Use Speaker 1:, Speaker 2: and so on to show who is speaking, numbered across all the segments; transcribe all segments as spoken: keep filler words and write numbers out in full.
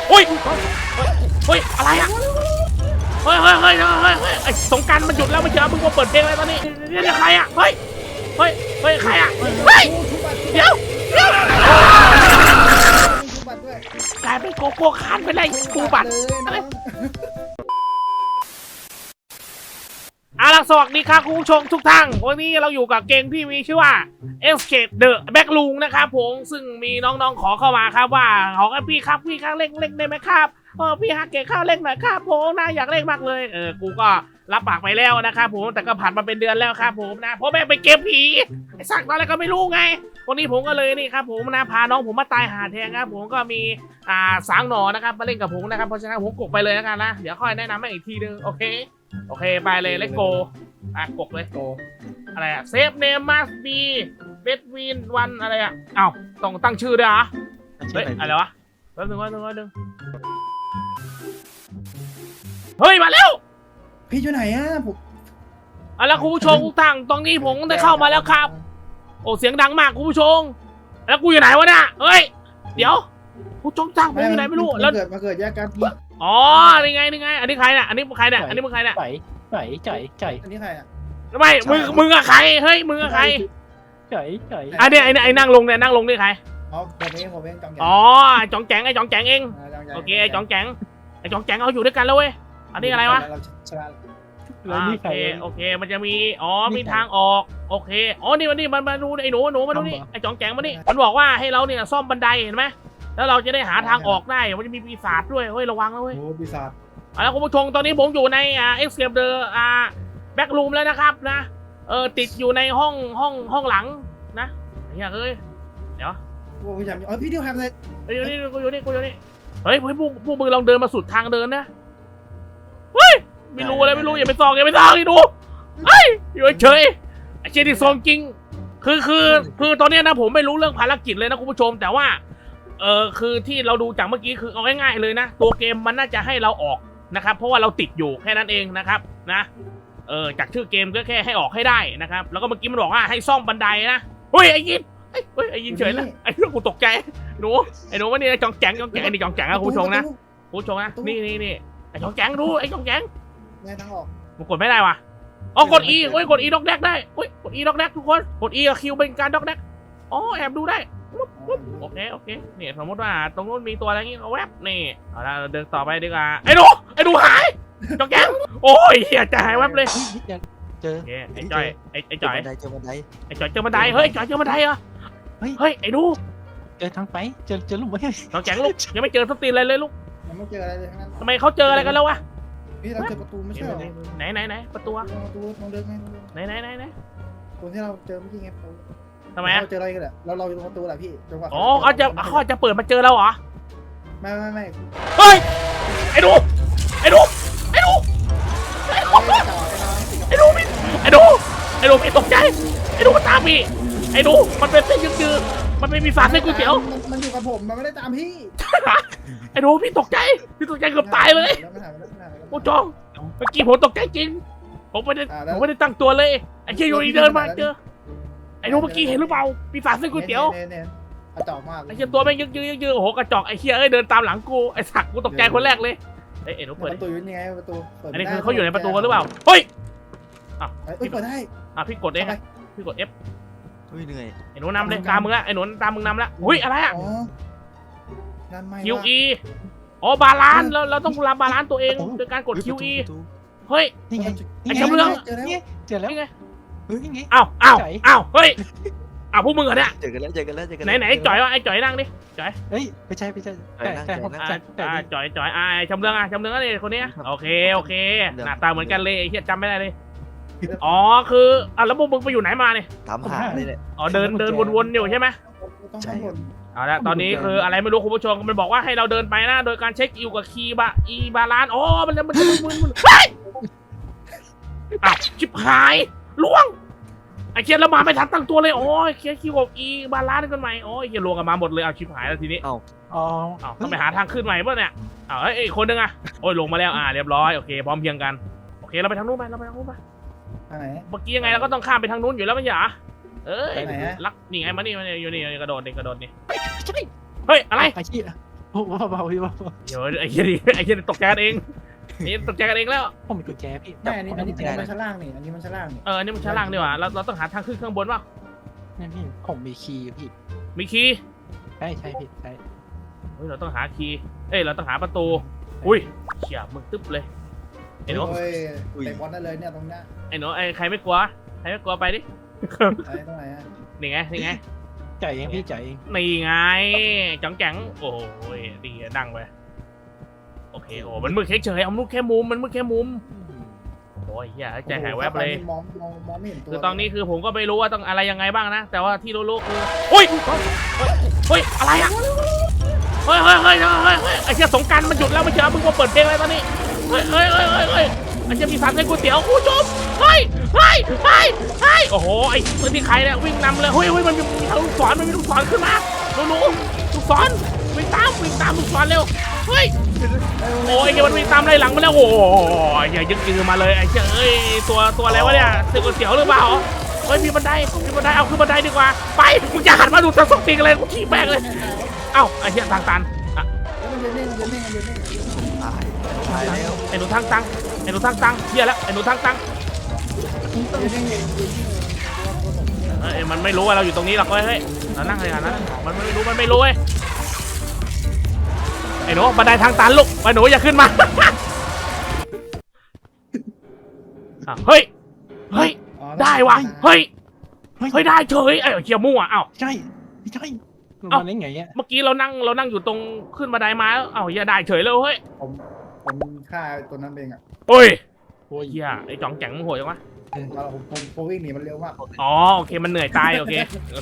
Speaker 1: โอ้ยเฮ้ยอะไรอ่ะเฮ้ยเฮ้ยเฮ้ยเฮ้ยเฮ้ยไอ้สงกรานต์มันหยุดแล้วไม่เจอมึงมาเปิดเพลงอะไรตอนนี้นี่ใครอ่ะเฮ้ยเฮ้ยเฮ้ยใครอ่ะเฮ้ยเดี๋ยวเดี๋ยวกลายเป็นโกโก้คานไปเลยกูบัตรอาล่ะสวัสดีครับคุณผู้ชมทุกท่านวันนี้เราอยู่กับเกมที่มีชื่อว่า Escape the Backroom นะครับผมซึ่งมีน้องๆขอเข้ามาครับว่าขอพี่ครับพี่ครับเล่นเล่นได้ไหมครับเออพี่ฮักเก๋ข้าวเล่นหน่อยครับผมนะอยากเล่นมากเลยเออกูก็รับปากไปแล้วนะครับผมแต่ก็ผ่านมาเป็นเดือนแล้วครับผมนะเพราะแม่งเป็นเกมผีไอ้สักตอนแรกก็ไม่รู้ไงวันนี้ผมก็เลยนี่ครับผมนะพาน้องผมมาตายหาแทนครับผมก็มีอ่าสางหนอนะครับมาเล่นกับผมนะครับเพราะฉะนั้นผมกดไปเลยแล้วกันนะเดี๋ยวค่อยแนะนำให้อีกทีนึงโอเคโอเคไปเลยเลตโกอ่ะกดเลยโกอะไรอะเซฟเนมมาสบีเบดวินวันอะไรอะเอ้าต้องตั้งชื่อด้วยเหรอเฮ้ยอะไรวะแป๊บนึงแป๊บนึงแป๊บนึงเฮ้ยมาแล้ว
Speaker 2: พี่อยู่ไหนอะผม
Speaker 1: อ่ะแล้วคุณผู้ชมทุกท่านตรงนี้ผมได้เข้ามาแล้วครับโอ้เสียงดังมากคุณผู้ชมแล้วกูอยู่ไหนวะเนี่ยเฮ้ยเดี๋ยวผู้ชมจ้างผมอยู่ไหนไม่รู้แล้ว
Speaker 2: เกิดมาเกิดแยกกันพี่
Speaker 1: อ๋อนี่ไงนี่ไงอันนี้ใครเนี่ยอันนี้ใครเนี่ยอันนี้มึงใครเนี่ย
Speaker 3: ใจใจใจใจ
Speaker 2: อันนี้ใครอะ
Speaker 1: ไม่มึงมึงอะใครเฮ้ยมึงอะใคร
Speaker 3: ใจใจ
Speaker 1: อันนี้ไอ้ไอ้นั่งลงเนี่ยนั่งลงนี่ใคร
Speaker 2: อ๋อผมเองผมเองจองแจง
Speaker 1: อ๋อจองแจงไอ้จองแจงเองโอเคไอ้จองแจงไอ้จองแจงเอาอยู่ด้วยกันแล้วเว้ยอันนี้อะไรวะโอเคโอเคมันจะมีอ๋อมีทางออกโอเคอ๋อนี่มันนี่มันมาดูไอ้หนูหนูมาดูนี่ไอ้จองแจงมานี่มันบอกว่าให้เราเนี่ยซ่อมบันไดเห็นไหมแล้วเราจะได้หาทางออกได้มันจะมีปีศาจด้วยเฮ้ยระวังนะเว้ย
Speaker 2: โอ้ปีศาจ
Speaker 1: แล้วคุณผู้ชมตอนนี้ผมอยู่ในอ่า Escape the อ่า Backroom แล้วนะครับนะเออติดอยู่ในห้องห้องห้องหลังนะเฮียเอ้ยเดี๋ยว
Speaker 2: โอ้พี่จำอ๋อพี่เดียวทำอะไร
Speaker 1: อยู่นี่กูอยู่นี่กูอยู่นี่เฮ้ยพวกพวกมึงลองเดินมาสุดทางเดินนะเฮ้ยไม่รู้อะไรไม่รู้อย่าไปซองอย่าไปซองอีดูเฮ้ยอยู่เฉยไอ้เจดีซองจริงคือคือคือตอนนี้นะผมไม่รู้เรื่องภารกิจเลยนะคุณผู้ชมแต่ว่าเออคือที่เราดูจากเมื่อกี้คือเอาง่ายๆเลยนะตัวเกมมันน่าจะให้เราออกนะครับเพราะว่าเราติดอยู่แค่นั้นเองนะครับนะเออจากชื่อเกมก็แค่ให้ออกให้ได้นะครับแล้วก็เมื่อกี้มันบอกว่าให้ซ่อมบันไดนะเฮ้ยไอ้ยินเฮ้ยไอ้ยินเฉยแล้วไอ้เรื่องกูตกใจหนูไอ้หนูว่านี่จองแจงจองแจงไอ้นี่จองแจงนะคุณผู้ชมนะคุณผู้ชมนะนี่นี่นี่ไอ้จองแจงดูไอ้จองแจง
Speaker 2: แม่ทั้งออก
Speaker 1: มันกดไม่ได้ว่ะอ๋อกด E โอ้ยกด E ด็อกแดกได้โอ้ยกด E ด็อกแดกทุกคนกด E กับ Q เป็นการด็อกแดกอ๋อแอบดูได้โอเคโอเคเนี่ยสมมติว่าตรงนู้นมีตัวอะไรงี้เอาแวบนี่เอาละเดินต่อไปดีกว่าไอ้หนูไอ้หนูหายจองแจงโอ้ยเฮียจะหายแวบเลย
Speaker 3: เจอ
Speaker 1: ไอ้จ่อยไอ้ไอ้จ่อย
Speaker 3: เจอบันได
Speaker 1: ไอ้จ่อยเจอบันไดเฮ้ยจ่อยเจอบันไดเหรอเฮ้ยเฮ้ยไอ้ดู
Speaker 3: เจอทางไปเจอเจอลูกไม่
Speaker 1: จองแจงลูกยังไม่เจอสตีนอะไรเลยลูก
Speaker 2: ยังไม่เจออะไรเลยทั้งนั้น
Speaker 1: ทำไมเขาเจออะไรกันแล้ววะ
Speaker 2: พี่เราเจอประตูไม่ใช่หรอ
Speaker 1: ไหนไหนไหนประตู
Speaker 2: ประตูมองเดินไง
Speaker 1: ไหนไหนไหนไหน
Speaker 2: ตัวที่เราเจอเมื่อกี้ไง
Speaker 1: ทำไมอ่ะ
Speaker 2: เราเจออะไรกันแหละเราเราอยู่ตรงประตูแหละพี่จังหวะ
Speaker 1: อ๋อเขาจะเขาจะเปิดมาเจอเราเหรอ
Speaker 2: ไม่ไม่ไม่
Speaker 1: เฮ้ยไอ้ดูไอ้ดูไอ้ดูไอ้ดูไอ้ดูไอ้ดูพี่ตกใจไอ้ดูมันตามพี่ไอ้ดูมันเป็นเส้นยืดๆมันเป็นมีฝาเส้นก๋วยเตี๋ยว
Speaker 2: มันอยู่กับผมมันไม่ได้ตามพี่
Speaker 1: ไอ้ดูพี่ตกใจพี่ตกใจเกือบตายเลยโอ้จองเมื่อกี้ผมตกใจจริงผมไม่ได้ผมไม่ได้ตั้งตัวเลยไอ้เชี่ยอยู่ดีเดินมาเจอไอ้ดูเมื่อกี้เห็นหรือเปล่าปีศาจเส้นก๋วยเตี๋ยว
Speaker 2: กระจอกมาก
Speaker 1: ไอ้เชี่ยตัวแม่งยึกยึกยึกยึกโอ้โหกระจอกไอ้เชี่ยเอ้ยเดินตามหลังกูไอ้สักกูตกใจคนแรกเลยเอ้ยเอ็นเปิด
Speaker 2: ประตูอยู่ยังไงประตู
Speaker 1: อันนี้คือเขาอยู่ในประตูหรือเปล่าเฮ้ยอ่ะ
Speaker 2: พี่เปิดได้
Speaker 1: อ่ะพี่กดเองพี่กด F
Speaker 3: เฮ้ยเหนื่อย
Speaker 1: ไอ้หนูนำเลยตามมึงละไอ้หนูตามมึงนำละอุ้ยอะไรอ่ะ คิว อี อ๋อบาลานเราเราต้องรับบาลานตัวเองโดยการกด คิว อี เฮ้ย
Speaker 3: นี่ไง
Speaker 1: ไอ้จำเรื่อง
Speaker 3: เจอแล้ว
Speaker 1: นี่ไง
Speaker 3: เฮ้ยไง
Speaker 1: อ้าวอ้าวอ้าวเฮ้ยอ้าวพวกมึงเหรอเนี่ย
Speaker 3: เจอกันแล้วเจอกันแล้วเจอกัน
Speaker 1: ไหนไหนไอ้จ่อยวะไอ้จ่อยนั่งดิจ่อย
Speaker 3: เฮ้ยไม่ใช่ไม่ใช่แต่แต่
Speaker 1: แต่จ่อยจ่อยอ่าจำเรื่องอ่ะจำเรื่องอะไรคนนี้โอเคโอเคหน้าตาเหมือนกันเลยไอ้เหี้ยจำไม่ได้เลยอ๋อคืออ่ะแล้วพวกมึงไปอยู่ไหนมาเนี่ย
Speaker 3: ถามหาเลยเนี่ย
Speaker 1: อ๋อเดินเดินวนๆอยู่ใช่ไหม
Speaker 2: ใช่
Speaker 1: เอาละตอนนี้คืออะไรไม่รู้คุณผู้ชมมันบอกว่าให้เราเดินไปนะโดยการเช็คอิวกับคีย์บะอีบาลานอ๋อมันมันมันมันมันเฮ้ยอ้าวชิบหายล่วงไอ้เคียนเรามาไม่ทันตั้งตัวเลยโอ้ยเคียนคิวกับอีบาลานกันใหม่โอ้ยเคียนรวมกันมาหมดเลยเอาชิบหายแล้วทีนี้
Speaker 3: เอาอ๋อ
Speaker 1: เอาต้องไปหาทางขึ้นใหม่ป่ะเนี่ยเอาเอ้ยคนนึงอ่ะโอ้ยลงมาแล้วอ่าเรียบร้อยโอเคพร้อมเพียงกันโอเคเราไปทางนู้นไปเราไปทางนู้นไปเมื่อกี้ยังไงเราก็ต้องข้ามไปทางนู้นอยู่แล้วไม่ใช่เหรอเอ้ยลักนี่ไงมานี่มานี่อยู่นี่กระโดดนี่กระโดดนี่เฮ้ยอะไร
Speaker 3: ไปที่
Speaker 1: เ
Speaker 3: เบาๆพี่เบา
Speaker 1: เดี๋ยวไอ้เหี้ยดิไอ้เหี้ยตกใจกันเองนี่ตกใจกันเองแล้ว
Speaker 3: ๆผมมีกุญแจพี่
Speaker 2: แม่อันนี้อันนี้
Speaker 3: กุญ
Speaker 2: อัน
Speaker 3: แจ
Speaker 2: นี้มันชั้นล่างนี่อันนี้มันชั้นล่างนี่
Speaker 1: เอออันนี้มันชั้นล่างดีกว่าเราเราต้องหาทางขึ้นข้างบนป่ะ
Speaker 3: นี่พี่ผมมีคีย์พี่
Speaker 1: มีคีย์
Speaker 3: ใช่ใช่พี่ใช่
Speaker 1: เฮ้ยเราต้องหาคีย์เอ้ยเราต้องหาประตูอุ้ยเขี่ยมึงตึ๊บเลยไอ้หนู
Speaker 2: โอ้ยเตะบอลได้เลยเนี่ยตรงเนี้ย
Speaker 1: ไอ้หนูไอ้ใครไม่กลัวใครไม่กลัวไปดิ
Speaker 2: ไอ้ตรงไหนอ่ะ
Speaker 1: นี่ไงนี่ไง
Speaker 3: จ่ายเองพี่จ่ายเอง
Speaker 1: นี่ไงจังแจังโอ้ยดีอะดังไปโอเคโอ้มันมืดเฉยๆเอามืดแค่มุมมันมืดแค่มุมโอ้ยเหี้ยใจหายแวบเลย
Speaker 2: มองมองมองไม่เห็นตัว
Speaker 1: คือตอนนี้คือผมก็ไม่รู้ว่าต้องอะไรยังไงบ้างนะ แต่ว่าที่รู้ๆคือโอ้ยเฮ้ยอะไรอะเฮ้ยเฮ้ยเฮ้ยเฮ้ยเฮ้ยไอ้เชี่ยสงกรารมันหยุดแล้วไม่เชื่อมึงมาเปิดเพลงอะไรตอนนี้เฮ้ยเฮ้ยเฮ้ยเฮ้ยเฮ้ยไอ้เชี่ยมีสารเส้นก๋วยเตี๋ยวคุณผู้ชมเฮ้ยเฮ้ยเฮ้ยเฮ้ยโอ้โหไอ้ตัวที่ใครเนี่ยวิ่งนำเลยเฮ้ยเฮ้ยมันมีลูกศรมันมีลูกศรขึ้นมาหนูหนูลูกศรวิ่งตามวิ่งตามลูกศรเร็วเฮ้ยโอ้ยไอ้มันวิ่งตามไล่หลังมาแล้วโอ้ยอย่ายึกยือมาเลยไอ้เชี่ยเอ้ยตัวตัวอะไรวะเนี่ยเส้นก๋วยเตี๋ยวหรือเปล่าเฮ้ยมีบันไดมีบันไดเอาขึ้นบันไดดีกว่าไปมึงอย่าหันมาดูทางสติงอะไรกูขี่แบกเลยเอ้าไอ้เชี่ยทางตันอ่ะ
Speaker 2: มันจะเล่นมันจะเล่นมันจะเล่น
Speaker 3: ตายตายแล้ว
Speaker 1: ไอ้หนูทางตังไอ้หนูทางตังเฮียแล้วไอ้หนูทางตัง
Speaker 2: มันจะเล่นเองตัวตัวผมเนี่ย
Speaker 1: เอ้ยมันไม่รู้ว่าเราอยู่ตรงนี้หรอกเว้ยเฮ้ยเรานั่งเลยกันนะมันไม่รู้มันไม่รู้เว้ยไอ้หนูบันไดทางตันลูกไอ้หนูอย่าขึ้นมาอ่ะเฮ้ยเฮ้ยได้ว่ะเฮ้ยเฮ้ยได้เฉยไอ้เฮียมั่วเอ้า
Speaker 3: ใช่ไม่ใช่
Speaker 1: เอ้า
Speaker 3: มันได้ไงเนี่ย
Speaker 1: เมื่อกี้เรานั่งเรานั่งอยู่ตรงขึ้นบันไดมาแล้วเอ้าเฮียได้เฉยเลยเฮ้ย
Speaker 2: ผมผมฆ่าตัวนั้นเองอ่ะ
Speaker 1: โอ้ย
Speaker 3: โอ้ย
Speaker 1: เฮียไอ้จ่องแจ๋งมึงโหดจังวะ
Speaker 2: เราผมผมผมวิ่งหนีมันเร็วมาก
Speaker 1: อ๋อโอเคมันเหนื่อยตายโอเค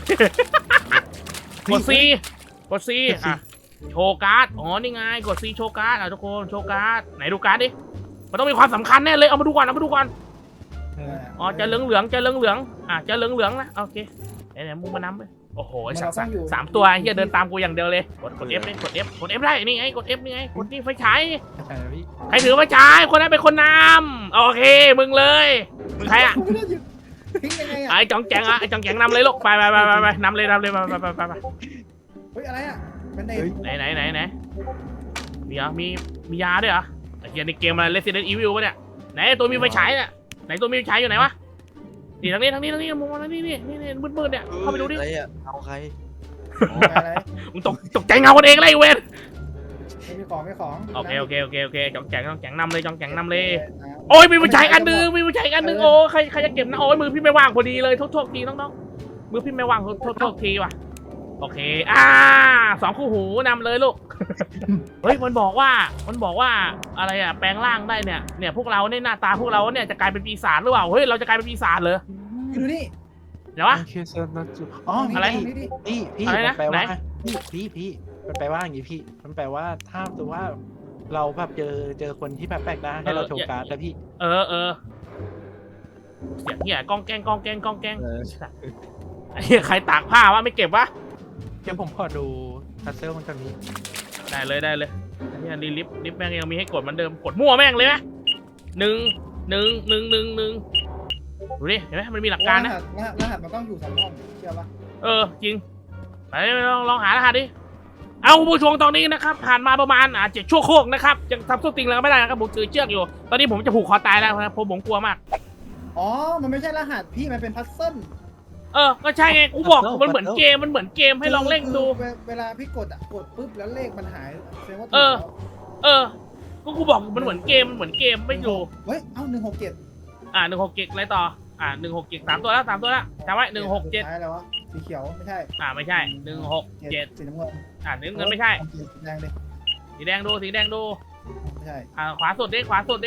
Speaker 1: กดซีกดซีอ่ะโชว์การ์ดอ๋อนี่ไงกดซีโชว์การ์ดอ่ะทุกคนโชว์การ์ดไหนดูการ์ดดิมันต้องมีความสำคัญแน่เลยเอามาดูก่อนเอามาดูก่อน
Speaker 3: เออ
Speaker 1: อ๋อจะเหลืองเหลืองๆจะเหลืองเหลืองๆอ่ะจะเหลืองเหลืองๆนะโอเคไหนๆมึงมานำไปโอ้โหไอ้สัตว์สามสามตัวเฮียเดินตามกูอย่างเดียวเลยกดกด F เลยกด F กด F ได้นี่ไงกด F นี่ไงกดนี่ไฟฉาย
Speaker 3: ใช่พี่
Speaker 1: ใครถือไฟฉายคนนั้นเป็นคนนำโอเคมึงเลยมึงใครอ่ะ
Speaker 2: ผมไม่ได้หยุดทิ้งยังไงอ่ะ
Speaker 1: ไอ้จ่องแจ๋งอ่ะไอ้จ่องแจ๋งนำเลยลูกไปไปไปไปไปนำเลยนำเลยไปไปไปไปไป
Speaker 2: เฮ้ยอะไรอ่ะเป็นเด็ก
Speaker 1: ไหนไหนไหนไหนมีเหรอมีมียาด้วยเหรอไอ้เหี้ยในเกมอะไร Resident Evil ปะเนี่ยไหนตัวมีไฟฉายเนี่ยไหนตัวมีไฟฉายอยู่ไหนวะนี่ทางนี้ทางนี้ทางนี้มองทางนี้นี่นี่นี่มืดๆเนี่ยเข้าไปดูดิ
Speaker 3: อะไรอ่ะเอาใคร
Speaker 2: อะไร
Speaker 1: มึงตกตกใจเงาคนเองเลยไอ้เวน
Speaker 2: ไม่มีของไม่ของ
Speaker 1: โอเคโอเคโอเคโอเคจ่องแจ๋งจ่องแจ๋งนำเลยจ่องแจ๋งนำเลยโอ้ยมีไฟฉายอันหนึงมีไฟฉายอันหนึงโอ้ใครใครจะเก็บนะโอ้ยมือพี่ไม่ว่างพอดีเลยโทษโทษทีน้องๆมือพี่ไม่ว่างโทษโทษโทษทีว่ะโอเคอ่าสองคู่หูนำเลยลูก เฮ้ยมันบอกว่ามันบอกว่าอะไรอะแปลงร่างได้เนี่ยเนี่ยพวกเราเนี่ยหน้าตาพวกเราเนี่ยจะกลายเป็นปีศาจหรือเปล่าเฮ้ยเราจะกลายเป็นปีศาจเหรอ
Speaker 2: ดูนี่
Speaker 1: เดี๋ยววะ
Speaker 3: โอเคเซอร์นัจูอ๋อ
Speaker 1: อะไร
Speaker 2: นี่ดิ
Speaker 3: พี่พี่
Speaker 1: อะไร
Speaker 3: มั
Speaker 1: นะ
Speaker 3: นแปล
Speaker 1: ไหน
Speaker 3: ว่าพี่พี่พี่มันแปลว่าอย่างงี้พี่มันแปลว่าถ้าตัวว่าเราแบบเจอเจอคนที่แบบแปลกหน้าให้เราโชว์การ์ดแล้วพี่
Speaker 1: เออเออเสียงเหี้ยกองแกงกองแกงกองแกงไอ้เหี้ยใครตากผ้าวะไม่เก็บวะ
Speaker 3: เดี๋ยวผมขอดูพัซเซิลมันกันนี้
Speaker 1: ได้เลยได้เลยไอ้เหี้ยรีลิฟต์ลิฟต์แม่งยังมีให้กดเหมือนเดิมกดมั่วแม่งเลยไหมหนึ่งหนึ่งหนึ่งหนึ่งหนึ่งดูดิเห็นไหมมันมีหลักการนะ
Speaker 2: รหัสรหัสรหัสมันต้องอยู่สองห้องเชื่อปะ
Speaker 1: เออจริงไปลองลองหารหัสดิเอาผู้ชมตอนนี้นะครับผ่านมาประมาณอ่าเจ็ดชั่วโคกนะครับยังทำส้นติงแล้วไม่ได้นะครับผมถือเชือกอยู่ ตอนนี้ผมจะผูกคอตายแล้วนะครับผมผมกลัวมาก
Speaker 2: อ๋อมันไม่ใช่รหัสพี่มันเป็นพัซเซิล
Speaker 1: เออก็ใช่ไงกูบอกมันเหมือนเกมมันเหมือนเกมให้ลองเล่นดู
Speaker 2: คือเวลาพี่กดอ่ะกดปุ๊บแล้วเลขมันหายแสดงว่าถูก
Speaker 1: เออ
Speaker 2: แล้ว
Speaker 1: เออก็กูบอกมันเหมือนเกมมันเหมือนเกมไม่ดู
Speaker 2: เฮ้ยเอ้าหนึ่งหกเจ็ด
Speaker 1: อ่าหนึ่งหกเจ็ดอะไรต่ออ่าหนึ่งหกเจ็ดสามตัวแล้วสามตัวแล้วจำไว้หนึ่งหกเจ็ด
Speaker 2: ใช่แล้ววะสีเขียวไม่ใช่
Speaker 1: อ่าไม่ใช่หนึ่งหกเจ็ด
Speaker 2: สีน้ำเงิน
Speaker 1: อ่าหนึ่งเงินไม่ใช่
Speaker 2: สีแดงดิ
Speaker 1: สีแดงดูสีแดงดู
Speaker 2: ไม่ใช่
Speaker 1: อ่าขวาสุดดิขวาสุดดิ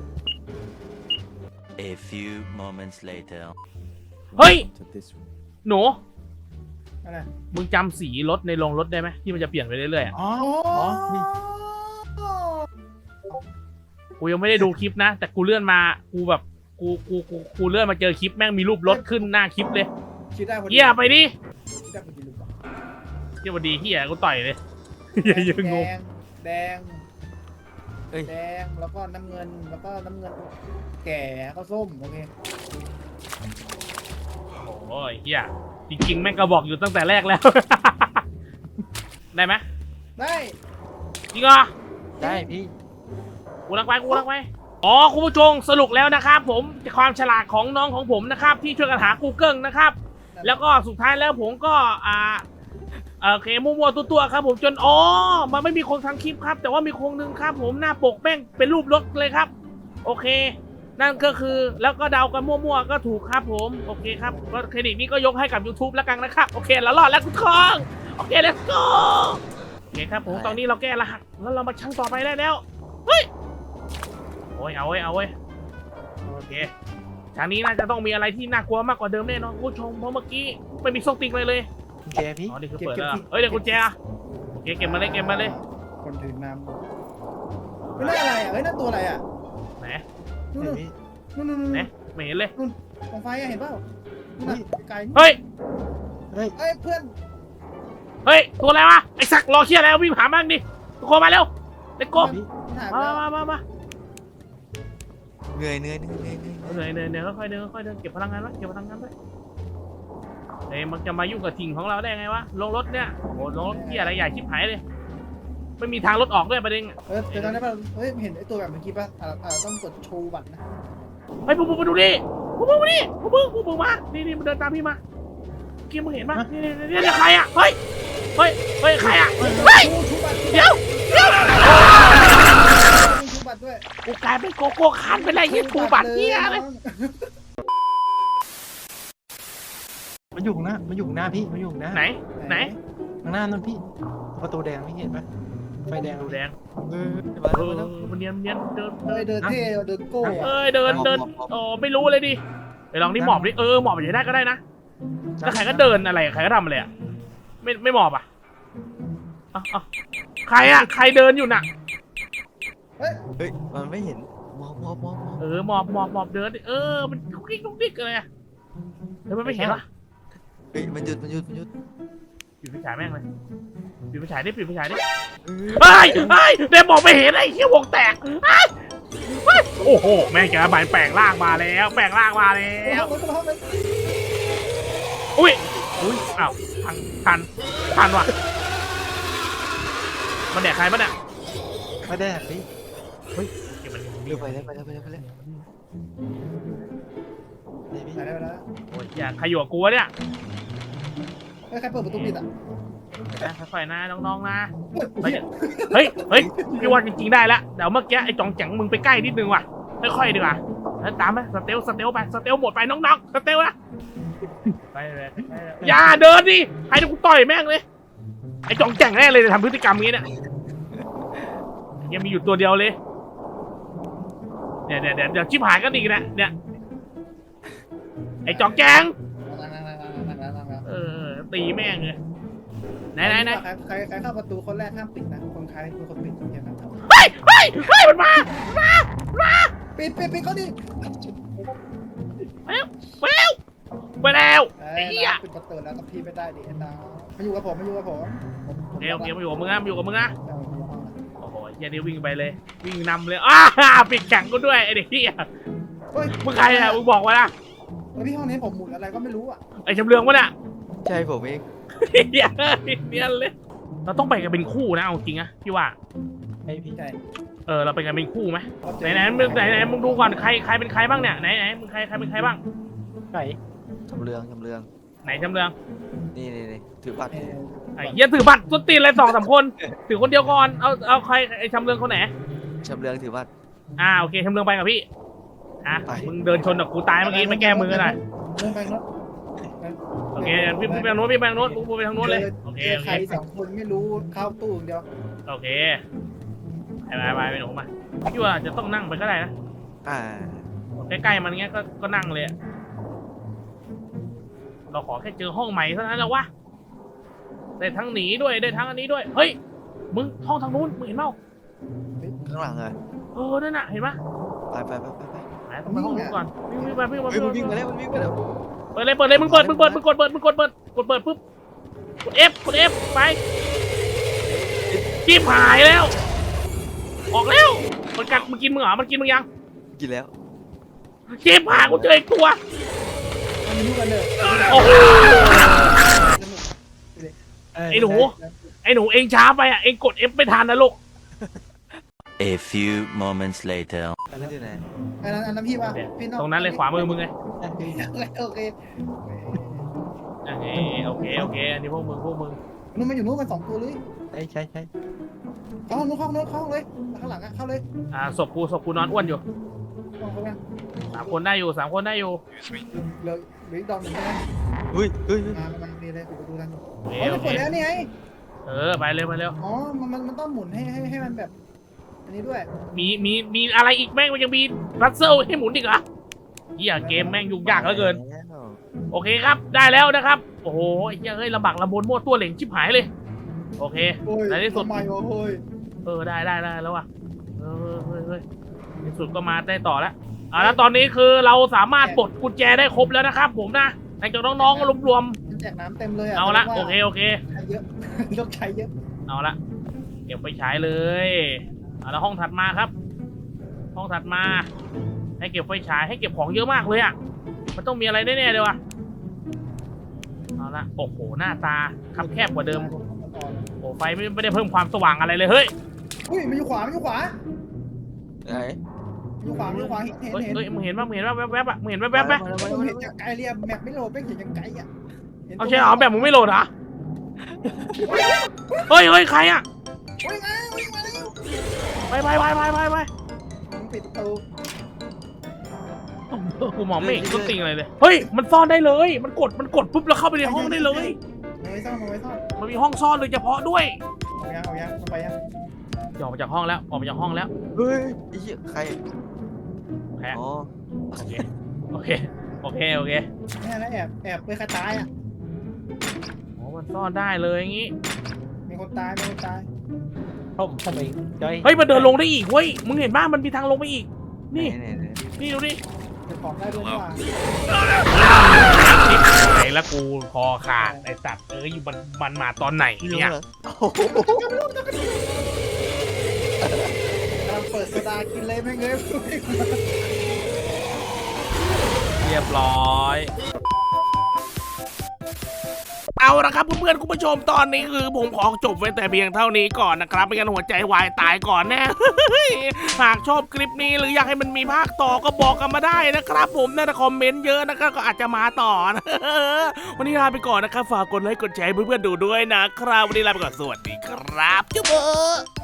Speaker 4: A few moments later.
Speaker 1: เฮ้ยหนู
Speaker 2: อะไร
Speaker 1: มึงจำสีรถในโรงรถได้ไหมที่มันจะเปลี่ยนไปเรื่อยๆอ่ะ
Speaker 3: อ๋อ
Speaker 2: อ๋อ
Speaker 3: นี่
Speaker 1: กูยังไม่ได้ดูคลิปนะ แต่กูเลื่อนมากูแบบกูกูกูกูเลื่อนมาเจอคลิปแม่งมีรูปรถขึ้นหน้าคลิปเลย
Speaker 2: คิดได้พอดี
Speaker 1: เฮียไปดิ
Speaker 2: คิดได้พอดีหรือเปล่า
Speaker 1: เฮียพอดีเฮียกูต่อยเลยเฮียยังงง
Speaker 2: แดงแดง
Speaker 3: เอ้ย
Speaker 2: แดงแล้วก็น้ำเงินแล้วก็น้ำเงิน แก่ก็ส้มโอเค
Speaker 1: โอ้ยเฮียจริงๆแม่งก็บอกอยู่ตั้งแต่แรกแล้ว ได้ไหม
Speaker 2: ได้
Speaker 1: จริงเหรอ
Speaker 3: ได้พี่
Speaker 1: กูรักไปกูรักไปอ๋อคุณผู้ชมสรุปแล้วนะครับผมความฉลาดของน้องของผมนะครับที่ช่วยกันหา Google นะครับแล้วก็สุดท้ายแล้วผมก็อ่าโอเคมั่วๆตัวๆครับผมจนอ๋อมันไม่มีคนทำคลิปครับแต่ว่ามีคนหนึ่งครับผมหน้าปกแม่งเป็นรูปรถเลยครับโอเค นั่นก็คือแล้วก็เดากันมั่วๆก็ถูกครับผมโอเคครับก็เครดิตนี้ก็ยกให้กับ YouTube แล้วกันนะครับโอเคแล้วรอดแล้วทุกคนโอเค let's go โอเคครับผมตอนนี้เราแก้รหัสแล้วเรามาชั่งต่อไปได้แล้วเฮ้ยโอ้ยเอาเว้ยเอาเว้ยโอเคทางนี้น่าจะต้องมีอะไรที่น่ากลัวมากกว่าเดิมแน่นอนคุณผู้ชมเพราะเมื่อกี้ไม่มีส้งติงเลยเลย
Speaker 3: กุญแจพี่
Speaker 1: อ๋อนี่คือเปิดแล้วเหรอเฮ้ยเดี๋ยวกุญแจอะโอเคเก็บมาเลยเก็บมาเลย
Speaker 2: คนถือน้ำไม่น่าอะไรอ่ะเฮ้ยนั่นตัวอะไรอ่ะ
Speaker 1: ไหน
Speaker 2: นู่น
Speaker 3: ไหน
Speaker 2: นู่น
Speaker 3: พี่
Speaker 2: นู่นนู่นนู่น
Speaker 1: ไหนไม่เห็นเลย
Speaker 2: นู่นกองไฟอ่ะเห็นเปล่านู่นน่ะไกลๆ
Speaker 1: เฮ้ย
Speaker 3: เฮ้ย
Speaker 2: เอ้ยเพื่อน
Speaker 1: เฮ้ยตัวอะไรวะไอ้สักรอเชียร์แล้ววิ่งหาบ้างดิทุกคนมาเร็วเด็กโก้
Speaker 3: พี่
Speaker 2: มันหายไป
Speaker 1: มา
Speaker 2: แล้ว
Speaker 1: มามามา
Speaker 4: เหนื่อยเหนื่อยเหนื่อยเหนื่อยเหนื่อย
Speaker 1: เหนื่อยเหนื่อยเหนื่อยค่อยๆเดินค่อยๆเดินเก็บพลังงานไว้เก็บพลังงานไว้เฮ้ยมันจะมายุ่งกับถิ่งของเราได้ไงวะลงรถเนี่ยโอ้โหลงรถที่อะไรใหญ่ชิบหายเลยไม่มีทางรถออกด้วยประเด็นอะ
Speaker 2: เออเดี๋ยวตอนนี้ป่ะเฮ้ยเห็นไอ้ตัวแบบเมื่อกี้ป่ะอ่าอ่าต้องกดโชว์บัตรนะ
Speaker 1: เฮ้ยพวกมึงมาดูดิพวกมึงมาดิพวกมึงพวกมึงมานี่นี่มันเดินตามพี่มาเมื่อกี้มึงเห็นปะนี่นี่นี่นี่ใครอะเฮ้ยเฮ้ยเฮ้ยใครอะเฮ้ย
Speaker 2: โชว์โชว์บัตร
Speaker 1: เดี๋ยวเดี๋ยว
Speaker 2: โชว์บัตรด้วย
Speaker 1: กูกลายเป็นโกโก้คันไปเลยยี่ถูบัตรเนี่ยเลย
Speaker 3: มันอยู่ข้างหน้ามันอยู่ข้างหน้าพี่มันอยู่ข้างหน้า
Speaker 1: ไหนไหน
Speaker 3: ข้างหน้านั่นพี่ประตูแดงพี่เห็นไหมไฟแดง
Speaker 1: ดูแดง
Speaker 4: เออมา
Speaker 1: เอ
Speaker 4: แล้ว
Speaker 1: อ
Speaker 4: มาแล้ว
Speaker 1: มันเนียนเนียนเดิน
Speaker 2: เฮ้ยเดินเท่เดินโก้อะ
Speaker 1: เอ้ยเดินเดินอ๋อไม่รู้เลยดิไปลองนี่หมอบดิเออหมอบไปได้ก็ได้นะแล้วใครก็เดินอะไรใครก็ทำอะไรอ่ะไม่ไม่หมอบอ่ะอ่ะอ่ะใครอ่ะใครเดินอยู่น่ะ
Speaker 2: เฮ้ย
Speaker 4: เฮ้ยมันไม่เห็นมองมองมองมอง
Speaker 1: เออหมอบหมอบหมอบเดินดิเออมันลุกดิ๊กลุกดิ๊กอะไรอ่ะเฮ้ยมันไม่เห็นวะ
Speaker 4: เฮ้ยมันหยุดมันหยุดมันหยุด
Speaker 1: ปิดไฟฉายแม่งเลยปิดไฟฉายดิปิดไฟฉายดิ
Speaker 4: เออ
Speaker 1: เฮ้ยเฮ้ยเดมบอกไม่เห็นไอ้เหี้ยวงแตกเฮ้ยเฮ้ยโอ้โหแม่งแกใบแปลงร่างมาแล้วแปลงร่างมาแล้
Speaker 2: เอ้าว รถกระบะเลย
Speaker 1: อุ้ยอุ้ยอ้าวทันทันทันว่ะมันแดกใครปะเนี่ย
Speaker 3: ไม่ได้พี่
Speaker 1: เก็บมัน
Speaker 4: เร็วไปแล้วไปแล้วไปแล้วไปแล้ว
Speaker 3: นี่พี่
Speaker 2: ไปแล้วไปแล้ว
Speaker 1: โอ้ยอย่าใครอยู่กับกูวะเนี่ย
Speaker 2: เฮ้ยใครเปิดประตูปิดอ่ะ
Speaker 1: นะค่อยๆนะน้องๆนะเฮ้ยเฮ้ยเฮ้ยพี่ว่าจริงๆได้ละเดี๋ยวเมื่อกี้ไอ้จองแจังมึงไปใกล้นิดนึงว่ะค่อยๆดีกว่าแล้วตามไปสเตลสเตลไปสเตลหมดไปน้องๆสเตลนะไปเลยไปเลยอย่าเดินดิให้กูต่อยแม่งเลยไอ้จองแจังแน่เลยทำพฤติกรรมนี้เนี่ยยังมีอยู่ตัวเดียวเลยเนี่ยเดี๋ยวเดี๋ยวเดี๋ยวชิบหายกันอีกนะเนี่ยไอ้จองแจัง
Speaker 2: นั่งนั่งนั่งนั่งนั่งนั่งนั่ง
Speaker 1: เออตีแม่งเลยไหนไหนไหน
Speaker 2: ใครใครใครเข้าประตูคนแรกห้ามปิดนะคนใครคือคนปิดอย่างนั้นครับ
Speaker 1: เฮ้ยเฮ้ยเฮ้ยมันมามามา
Speaker 2: ปิดปิดปิดเขาดิ
Speaker 1: ไปแล้วไปแล้วไปแล้ว
Speaker 2: เอ้
Speaker 1: ไอ้
Speaker 2: ย
Speaker 1: เหี้ย
Speaker 2: ปิดประตูแล้วกับพี่ไม่ได้ดิไอ้ตามาอยู่กับผมมาอยู่กับผมผมผม
Speaker 1: เดี๋ยวเดี๋ยวมาอยู่กับมึงนะมาอยู่กับมึงนะ
Speaker 2: เอาอยู่กับห้องนะ
Speaker 1: โอ้โหเฮียนี่วิ่งไปเลย วิ่งนำเลยอ้าปิดแข่งกูด้วยไอ้เด็กเฮีย
Speaker 2: เฮ้ย
Speaker 1: มึงใครอะมึงบอกว่านะ
Speaker 2: เฮ้ยพี่ห้องนี้ผมหมุนอะไรก็ไม่รู้อ่ะ
Speaker 1: ไอ้จำเรืองวะเนี่ย
Speaker 4: ใช่ผมเอง
Speaker 1: เฮียเนียนเลย เราต้องไปกันเป็นคู่นะเอาจริงอะพี่ว่า
Speaker 3: ไอ้พี่
Speaker 2: ใช่
Speaker 1: เออเราไปกันเป็นคู่ไหมไหนไหนมึงไหนไหนมึงดูก่อนใครใครเป็นใครบ้างเนี่ยไหนไหนมึงใครใครเป็นใครบ้าง
Speaker 3: ไหน
Speaker 4: จำเรืองจำเรือง
Speaker 1: ไหนจำเรือง
Speaker 4: นี่นี่นี่ถือบัตร
Speaker 2: เออ
Speaker 1: ไอ้เฮียถือบัตรต้นตีนเลยสองสามคนถือคนเดียวก่อนเอาเอาใครไอ้จำเรืองคนไหน
Speaker 4: จำเรืองถือบัตร
Speaker 1: อ่าโอเคจำเรืองไปกับพี่อ่ะ
Speaker 4: ไป
Speaker 1: มึงเดินชนกับกูตายเมื่อกี้มาแก้มือหน่อย
Speaker 2: เรื่องไปรถ
Speaker 1: โอเคพี่พี่ไปทางโน้นพี่ไปทางโน้นกูไปทางโน้นเลยโอเค
Speaker 2: เจอ
Speaker 1: โอ
Speaker 2: ใค
Speaker 1: เค
Speaker 2: รสองคนไม่รู้เข้าตู้อย่างเดียว
Speaker 1: โอเคไปไปไปไปหนูมาพี่ว่าจะต้องนั่งไปก็ได้นะ
Speaker 4: อ่า
Speaker 1: ใกล้ๆมันเงี้ยก็ก็นั่งเลยอะเราขอแค่เจอห้องใหม่เท่านั้นแล้ววะได้ทั้งหนีด้วยได้ทั้งอันนี้ด้วยเฮ้ยมึงห้องทางนู้นมึงเห็นเปล่า
Speaker 4: ข้างหลังเลย
Speaker 1: เออนั่นน่ะเห็นปะ
Speaker 4: ไปไปไปไปไป
Speaker 1: ไหนต้องไปห้องนู้นก่อนวิ่งวิ่งไปวิ่งไป
Speaker 4: เฮ้ยมัน
Speaker 1: วิ่
Speaker 4: วิ่
Speaker 1: ง
Speaker 4: ง
Speaker 1: ไป
Speaker 4: มาแล้วมันวิ่งมาแล้ว
Speaker 1: เปิดเลยเปิดเลยมึงเปิดมึงเปิดมึงกดเปิดมึงกดเปิดกดเปิดปุ๊บกด F กด F ไปจีบหายแล้ว ออกแล้วมันกัดมันกินมึงเหรอมันกินมึงยัง
Speaker 4: กินแล้ว
Speaker 1: จีบหายกูเจออีกตัว
Speaker 2: มันมีลูกกันเลย
Speaker 1: โอ้โห
Speaker 3: เ
Speaker 1: ไอ้หนู ไอ้หนูเองช้าไปอ่ะเองกด F ไม่ทันนะลูก
Speaker 5: A few moments later.
Speaker 4: อันนั้นอยู่ไหน
Speaker 2: อันนั้นอันนั้นพี่ป่ะพี่นอก
Speaker 1: ตรงนั้นเลยขวามือมึงไง
Speaker 2: โอเค
Speaker 1: โอเคโอเคโอเคอันนี้พวกมึงพวกมึง
Speaker 2: นู่นมันอยู่นู่นมันสองตัวเลย
Speaker 3: ใช่ใช่ใช่
Speaker 2: เข้าห้องนู้นเข้าห้องนู้นเข้าห้องเลยข้างหลังอะเข้าเลย
Speaker 1: อ่าศพกูศพกูนอนอ้วนอยู่
Speaker 2: เข้าเข้าไป
Speaker 1: สามคนได้อยู่สามคนได้อยู่
Speaker 2: เหลือเหลืออีกดอกหนึ่งใช่ไหม
Speaker 4: เฮ้ยเฮ้ยเฮ้ย
Speaker 2: มามาดีเลยปิดประตูทัน
Speaker 1: โอเค
Speaker 2: อ๋อ
Speaker 1: โอ
Speaker 2: มัน
Speaker 1: เค
Speaker 2: เปิดแล้วนี่ไง
Speaker 1: เออไปเร็วไปเร็ว
Speaker 2: อ๋อมันมันมันต้องหมุนให้ให้ให้มันแบบ อันนี้ด้วย
Speaker 1: มีมีมีอะไรอีกแม่งมันยังมีรัสเซลให้หมุนอีกเหรอเฮียเกมแม่งยุ่งยากเหลือเกิน โอเคครับได้แล้วนะครับโอ้โหไอ้เหี้ยเฮ้ยลำบากลำบนมั่วตัวเหล่งชิบหายเลยโอเค
Speaker 2: โอ้ย
Speaker 1: ในที่สุด
Speaker 2: ทำไมวะโอ้ย
Speaker 1: เออได้ได้ได้แล้วว่ะเออเฮ้ยเฮ้ยในที่สุดก็มาได้ต่อแล้วอ่าแล้วตอนนี้คือเราสามารถปลดกุญแจได้ครบแล้วนะครับผมนะหลังจากน้องๆรวม
Speaker 2: มันแจกน้ำเต็มเลย
Speaker 1: ๆ
Speaker 2: อะ
Speaker 1: เอาละ
Speaker 2: แสดง
Speaker 1: โอ
Speaker 2: ว่า
Speaker 1: เคโอเค
Speaker 2: ใช้เยอะ ต้องใช้เยอะ
Speaker 1: เอาละเก็บไปใช้เลยเอาแล้วห้องถัดมาครับ ห้องถัดมา ให้เก็บไฟฉายให้เก็บของเยอะมากเลยอ่ะมันต้องมีอะไรแน่ๆเลยวะเอาละโอ้โหหน้าตาคับแคบกว่าเดิมโอ้ไฟไม่ไม่ได้เพิ่มความสว่างอะไรเลยเฮ้ย
Speaker 2: อุ้ยมันอยู่ขวามันอยู่ขวา
Speaker 4: ไหน
Speaker 2: มันอยู่ขวามันอยู่ขวาเห็นเห็น
Speaker 1: เฮ้ย
Speaker 2: เห็น
Speaker 1: เฮ้ยมึงเห็นป่ะมึงเห็นป่ะแวบๆอ่ะมึงเห็นแวบๆไหม
Speaker 2: ผมเห็นจากไกลเรียบแมปไม่โหลดไม่เห็นจากไกลอ่ะห็น
Speaker 1: เอาใช่เหรอแบบมึงไม่โหลดเหรอเฮ้ยเฮ้ยใครอ่ะ
Speaker 2: วิ่งมาวิ่งมาเร็ว
Speaker 1: ไปไปไปไปไปไป
Speaker 2: มึงปิดประตู
Speaker 1: กูมองไม่เห็นต้นติงอะไรเลยเฮ้ยมันซ่อนได้เลย มันกดมันกดปุ๊บแล้วเข้าไปในห้องได้เลย
Speaker 2: เอาไว้ซ่อนเอาไว้ซ่อน
Speaker 1: มันมีห้องซ่อนโดยเฉพาะด้วย
Speaker 2: เอายังเอายังเอาไปยัง
Speaker 1: ออกมาจากห้องแล้วออกมาจากห้องแล้ว
Speaker 4: เฮ้ยไอ้เหี้ยใคร
Speaker 1: แพ้
Speaker 4: อ๋อ
Speaker 1: โอเคโอเคโอเคโอเค
Speaker 2: แม่แล้วแอบแอบไปใครตายอ่ะ
Speaker 1: โอ้มันซ่อนได้เลยอย่างงี้
Speaker 2: มีคนตายมีคนตาย
Speaker 3: ผมผมเองจ้อย
Speaker 1: เฮ้ยมันเดินลงได้อีกเว้ยมึงเห็นบ้างมันมีทางลงไปอีกนี่
Speaker 4: ไหนไหน
Speaker 1: นี่ดูดิ
Speaker 2: เก็บของได้ด้วยนี่หว่า
Speaker 1: ไหนละกูคอขาดไอ้สัตว์เอ้ยอยู่มันมันมาตอนไหน
Speaker 4: นี่
Speaker 1: เนี่ย
Speaker 4: เหรอโอ้โห
Speaker 2: กำลังเปิดโซดากินเลยแม่งเลย
Speaker 1: เรียบร้อยเอาละครับเพื่อนๆคุณผู้ชมตอนนี้คือผมขอจบไว้แต่เพียงเท่านี้ก่อนนะครับไม่งั้นหัวใจวายตายก่อนแน่ หากชอบคลิปนี้หรืออยากให้มันมีภาคต่อก็บอกกันมาได้นะครับ ผมน่าจะคอมเมนต์เยอะนะครับก็อาจจะมาต่อนะ วันนี้ลาไปก่อนนะครับฝากกดไลค์กดแชร์ให้เพื่อนๆดูด้วยนะครับวันนี้ลาไปก่อนสวัสดีครับจุ๊บ